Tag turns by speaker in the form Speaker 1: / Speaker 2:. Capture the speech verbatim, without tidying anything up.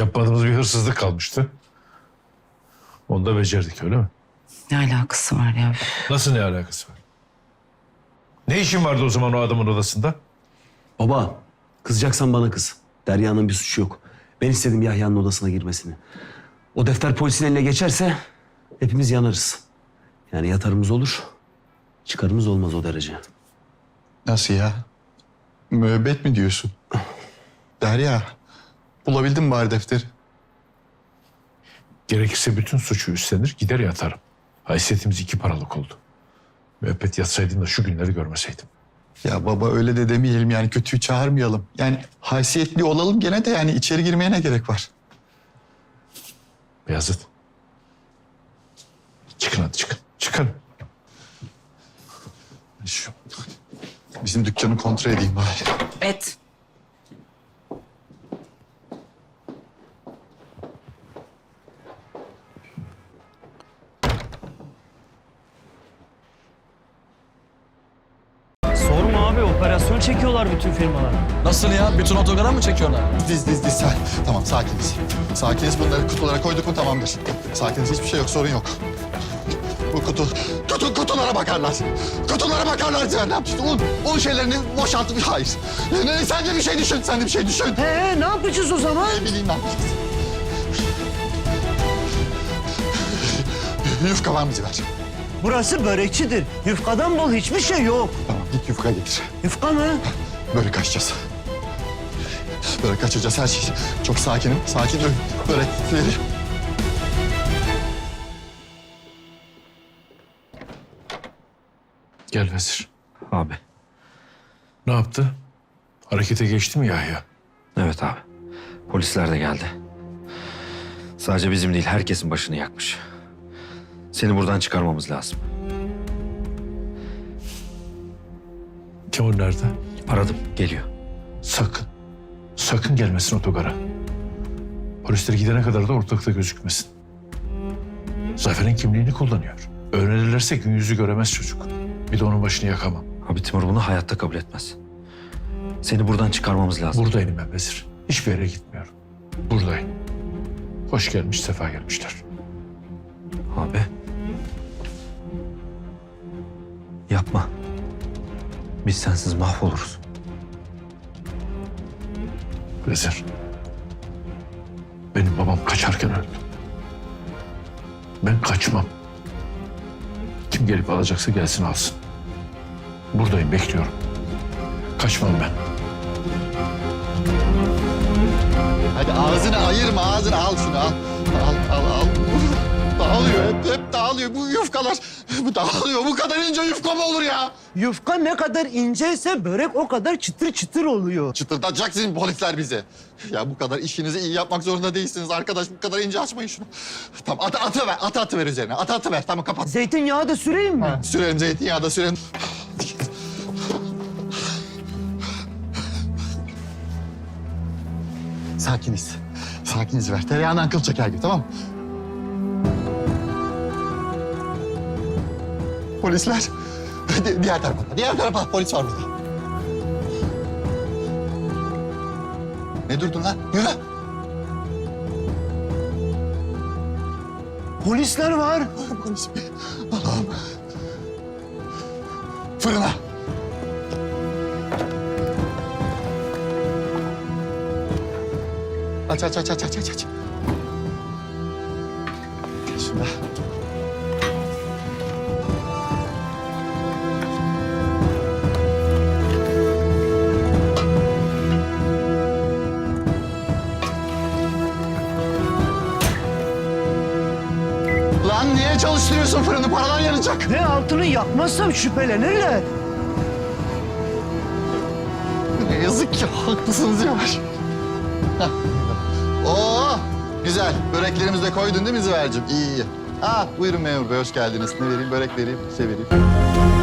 Speaker 1: Yapmadığımız bir hırsızlık kalmıştı. Onu da becerdik, öyle mi?
Speaker 2: Ne alakası var ya?
Speaker 1: Nasıl ne alakası var? Ne işin vardı o zaman o adamın odasında?
Speaker 3: Baba, kızacaksan bana kız. Derya'nın bir suçu yok. Ben istedim Yahya'nın odasına girmesini. O defter polisin eline geçerse hepimiz yanarız. Yani yatarımız olur, çıkarımız olmaz o derece.
Speaker 4: Nasıl ya? Müebbet mi diyorsun? Derya, bulabildin mi bari defteri?
Speaker 1: Gerekirse bütün suçu üstlenir, gider yatarım. Haysiyetimiz iki paralık oldu. Müebbet yatsaydım da şu günleri görmeseydim.
Speaker 4: Ya baba öyle de demeyelim yani kötüyü çağırmayalım. Yani haysiyetli olalım gene de yani içeri girmeye ne gerek var?
Speaker 1: Beyazıt. Çıkın hadi çıkın. Çıkın.
Speaker 4: Şu bizim dükkanı kontrol edeyim bari.
Speaker 2: Et.
Speaker 5: Sorma abi, operasyon çekiyorlar bütün firmalar.
Speaker 6: Nasıl ya? Bütün otogara mı çekiyorlar?
Speaker 4: Diz diz diz sen. Tamam sakiniz. Sakiniz bunları kutulara koyduk mu tamamdır. Sakiniz hiçbir şey yok sorun yok. Bu kutu, kutu kutulara bakarlar. Kutulara bakarlar. Sen ne yapıyorsun? Un, un şeylerini boşaltıp hayır. Ne, sen de bir şey düşün, sen de bir şey düşün.
Speaker 5: He, ne yapacağız o zaman?
Speaker 4: Ne bileyim ne yapacağız. Yufka var mı Ziver?
Speaker 5: Burası börekçidir. Yufkadan bol hiçbir şey yok.
Speaker 4: Tamam git yufka getir.
Speaker 5: Yufka mı?
Speaker 4: Börek açacağız. Börek açacağız her şey. Çok sakinim, sakin ol. Börekleri.
Speaker 1: Gel Vezir.
Speaker 3: Abi.
Speaker 1: Ne yaptı? Harekete geçti mi Yahya?
Speaker 7: Evet abi. Polisler de geldi. Sadece bizim değil, herkesin başını yakmış. Seni buradan çıkarmamız lazım.
Speaker 1: Timur nerede?
Speaker 7: Aradım, geliyor.
Speaker 1: Sakın. Sakın gelmesin otogara. Polisler gidene kadar da ortalıkta gözükmesin. Zafer'in kimliğini kullanıyor. Öğrenirlerse gün yüzü göremez çocuk. Bir de onun başını yakamam.
Speaker 7: Abi Timur bunu hayatta kabul etmez. Seni buradan çıkarmamız lazım.
Speaker 1: Buradayım ben Vezir. Hiçbir yere gitmiyorum. Buradayım. Hoş gelmiş, sefa gelmişler.
Speaker 7: Abi. Yapma. Biz sensiz mahvoluruz.
Speaker 1: Vezir. Benim babam kaçarken öldü. Ben kaçmam. Kim gelip alacaksa gelsin alsın. Buradayım, bekliyorum. Kaçmam ben.
Speaker 4: Hadi ağzını ayırma, ağzını al şunu al. Al, al, al. Dağılıyor, hep, hep dağılıyor. Bu yufkalar bu dağılıyor. Bu kadar ince yufka mı olur ya?
Speaker 5: Yufka ne kadar inceyse börek o kadar çıtır çıtır oluyor.
Speaker 4: Çıtırdatacak sizin polisler bizi. Ya bu kadar işinizi iyi yapmak zorunda değilsiniz arkadaş. Bu kadar ince açmayın şunu. Tamam atı, atı ver, atı atı ver üzerine. Atı atı ver, tamam kapat.
Speaker 5: Zeytinyağı da süreyim mi?
Speaker 4: Ha, sürelim zeytinyağı da sürelim. Sakiniz. Sakiniz ver. Tereyağından kıl çeker gibi tamam mı? Polisler. Di- diğer tarafa. Diğer tarafa. Polis var burada. Ne durdun lan? Yürü.
Speaker 5: Polisler var.
Speaker 4: Polis. Allah'ım. Fırına. Aç aç aç aç aç aç aç. Şurada. Lan niye çalıştırıyorsun fırını? Paralar yanacak.
Speaker 5: Ne altını yakmazsam şüphelenirler.
Speaker 4: Ne yazık ki haklısınız Yavaş. Hah. Oo, güzel. Böreklerimizi de koydun değil mi Ziver'cim? İyi iyi. Ha, buyurun memur bey hoş geldiniz. Ne vereyim? Börek vereyim, şey vereyim.